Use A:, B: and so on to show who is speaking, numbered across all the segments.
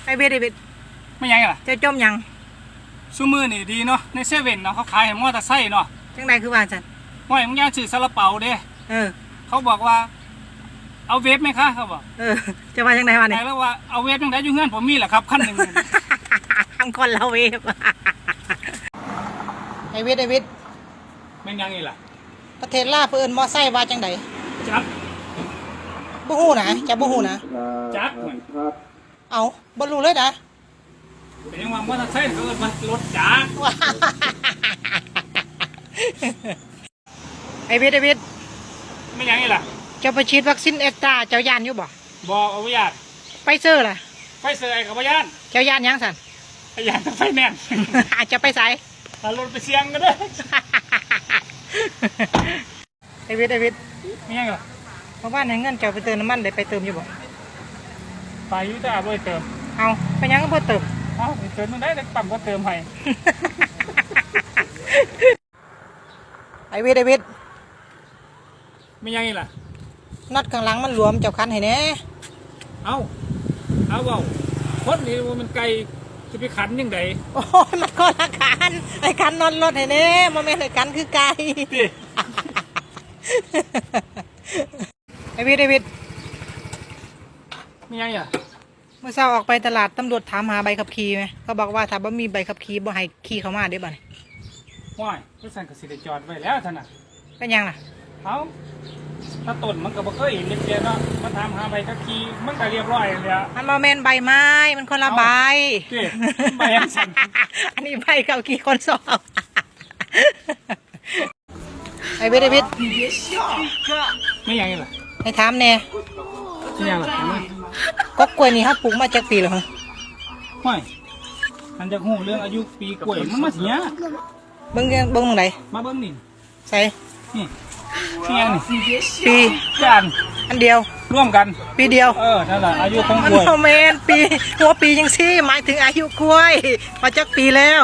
A: ไอเวด
B: ไม่ยังล่ะ
A: จะจมยัง
B: ซูมือนี่ดีเนาะในเซเว่นเนาะเขาขายให้มอเตอร์ไซค์เนาะ
A: จังใดคือว่าจัน
B: ว่ามึงย่างซื้อซาลาเปาเด้เขาบอกว่าเอาเวฟไหมคะเขาบอก
A: จะว่าจังใดวะเนี่ย
B: แล้วว่าเอาเวฟจังไดอยู่เงื่อนผมมีแหละครับขั้นหนึ่ง
A: ทำคนเราเวฟไอเวด
B: ไม่ยังไงล่ะ
A: ประเทศลาวเพิ่นมอไซค์ว่าจังใด
B: จับ
A: บ่ฮู้นะจะบ่ฮู้นะ
B: จับ
A: เอาบ่รู้เลยนะ
B: เป็นยังว่ามอเตอร์ไซค์เกิดมันรถจักร
A: ไอเวด
B: ไม่ยังไงล่ะ
A: จะไปฉีดวัคซีนเอ็กตาเจ้าย่านอยู่บ่
B: บอกเอาไว้ยาน
A: ไปเซอร์ล่ะ
B: ไปเซอร์ไอ้กับพยาน
A: เจ้าย่านยังสัน
B: พยานไฟแนนซ์
A: อาจจะไปใส่
B: ถ้ารถไปเสี่ยงก็ได้
A: ไอเวด
B: ไม่ยังล่ะ
A: เพราะว่าในเงินเจ้าไปเติมน้ำมันได้ไปเติมอยู่บ่
B: ไปยุ่แต่บ่เติม
A: เอาไปยังก็บ่เติม
B: เอาเติมมันได้แต่ปั๊มก็เติมให้
A: ไอเวด
B: ไม่ยังไงล่ะ
A: น็อตข้างหลังมันหลวมเจ้าคันให้แน่
B: เอาเบาคนนี้มันไกลจะไปขันยังไง
A: โอ้มันก็ละกันไอ้กันนอนรถให้แน่โมเมนต์ไอ้กันคือไกลไอเวด
B: ไม่ยังอ่ะ
A: เมื่อเช้าออกไปตลาดตำรวจถามหาใบขับขี่ไหมเขาบอกว่าถ้าบ่มีใบขับขี่บ่ให้ขี่เข้ามาได้บ่เนี่ย
B: ว้ายก็สั่งกับสิได้จอดไว้แล้วท่านน่ะ
A: เป็นยังล่ะ
B: เขาถ้าต้นมันก็บ่เคยเห็นเรียนเนาะมาถามหาใบขับขี่มันก็เรียบร้อยเลย
A: มันโมเมนต์ใบไม้มันคนละใบ
B: ใบอันสั่น
A: อันนี้ใบขับขี่คนสอบไอเวด
B: ไม่ยังไงล่ะ
A: ไอถามแน่
B: ไม่ยังล่ะ
A: ก็กล้วยนี่ครับปลูกมาจากปีหรอฮะ
B: ไม่มันจะหูเรื่องอายุปีกล้วยมันมาเสีย
A: เบิ้งตรงไหน
B: มาเบิ้งนี่
A: ใส่
B: นี่ยังนี่
A: ปี
B: กัน
A: อันเดียว
B: ร่วมกัน
A: ปีเดียว
B: นั่นแหละอายุของก
A: ล้วยมันเมนปีหัวปียังซี่หมายถึงอายุกล้วยมาจากปีแล้ว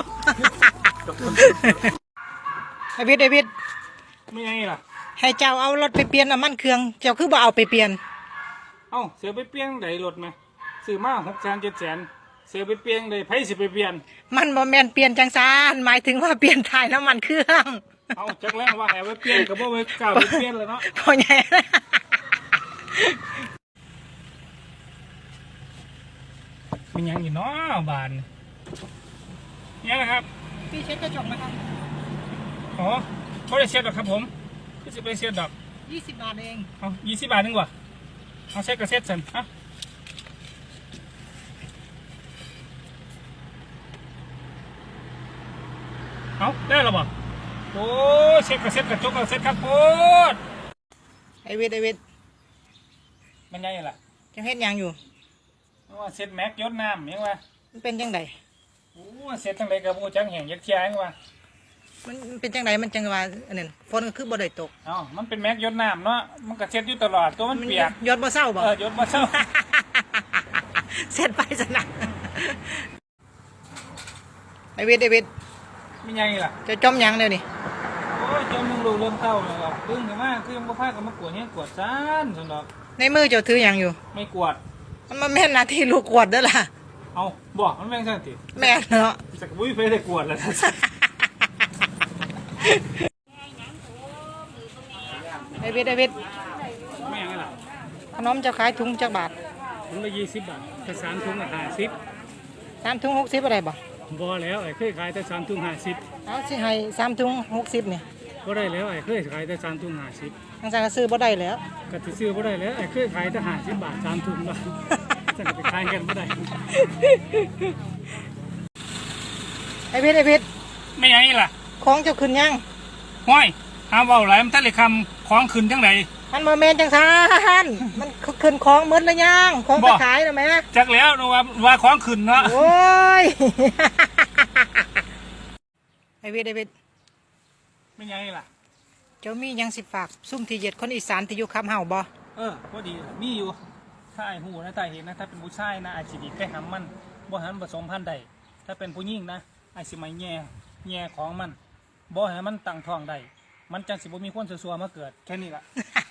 A: ไอวิด
B: ไม่ยังไงล่ะ
A: ให้เจ้าเอารถไปเปลี่ยนน้ำมันเครื่องเจ้าคือบ่เอาไปเปลี่ยน
B: เสียไปเปลี่ยนไหนรถไหมซื้อมา600,000-700,000เสียไปเปลี่ยนเลยไผสิไปเปลี่ยน
A: มันบ่แม่นเปลี่ยนจังซานหมายถึงว่าเปลี่ยนถ่ายน้ำมันเครื่อง
B: จักแล้วว่าแอบไปเปลี่ยนกับบ่ไปกล่าวไปเปลี่ยนเลยเนาะ
A: พอใหญ่
B: มันยังอยู่เนาะบานนี่นะครับ
A: พี่เช็ดกระจกไหมครับ
B: เขาได้เช็ดหรอครับผมก็จะไปเช็ดดอก
A: 20 บาทเอง
B: 20 บาทนึงวะเช็ดก็เช็ดสิได้หรอบ่โอ้เช็ดก็เช็ดกระจกก็เช็ดครับโคตร
A: ไอเวด
B: มันยังไงล่ะ
A: จังเฮ็ดยังอยู่
B: ว่าเช็ดแม็กยศน้ำยังวะ
A: มันเป็นจังได
B: เช็ดจังไดกับโบจังแห่งยักษ์เชียงวะ
A: มันเป็นจังไดมันจังว่าอันนั้นฝนก็คือบ่ได้ตก
B: มันเป็นแม็กยศน้ำเนาะมันก็เช็ดอยู่ตลอดตัวมันเปียก
A: ยศบ่เศร้าบ่
B: ยศบ่เศร้า
A: เช็ดไปซะนะไอเวด
B: ไม่ยังไงล่ะ
A: จะจมยังเดี๋ยวนี้
B: โอ้ยจมมึงรู้เริ่มเต้าเลยครับดึงถึงมากคือยังบ่พากับมากวดเนี่ยกวดซ่านสนอก
A: ในมือเจ้าถือยังอยู่
B: ไม่กวด
A: มันมาแม่นนาทีลูกกวดเด้อล่ะ
B: บอกมันแม่งสั่นติ
A: แม่เนาะ
B: สักบุ้ยไปได้กวดแล้ว
A: ไอเวด
B: ไม่ยังไงล่ะ
A: ขนมจะขายถุงจักบาท
B: ถุงละ20 บาทแต่3 ถุงละ50
A: 3 ถุง60อะไรบ่
B: บ่แล้วไอ้เคยขายแต่3 ถุง50
A: เอาสิให้3 ถุง60เนี่ย
B: บ่ได้แล้วไอ้เคยขายแต่3 ถุง50
A: ทางสายก็ซื้อบ่ได้แล้ว
B: ก็สิซื้อบ่ได้แล้วไอ้เคยขายแต่50 บาท3 ถุงละจะไปขายกันบ่ได้
A: ไอเวด
B: ไม่ยังไงล่ะ
A: ของเจ้าขึ้นยัง
B: ห้อยหาเว้าหลายมันทะเลคำของขึ้นจังได
A: มันบ่แม่นจังซั่นมันขึ้นของหมดแล้วยังของไปขายแล้วแม่
B: จักแล้วว่าของขึ้นเนาะ
A: โอ้ยไอเวด
B: ไม่ยังไงล่ะ
A: เจ้ามียังสิฝากซุ่มที่เหยียดคนอีสานที่อยู่คับเฮาบ่
B: พอดีมีอยู่ถ้าไอ้หูนะตาเห็นนะถ้าเป็นผู้ชายนะไอ้สิดีแค่หำมันบ่หันผสมพันธุ์ใดถ้าเป็นผู้หญิงนะไอ้สิไม่แง่ของมันบ่ให้มันตั้งท้องได้มันจังสิบ่มีคนซัวๆมาเกิดแค่นี้ล่ะ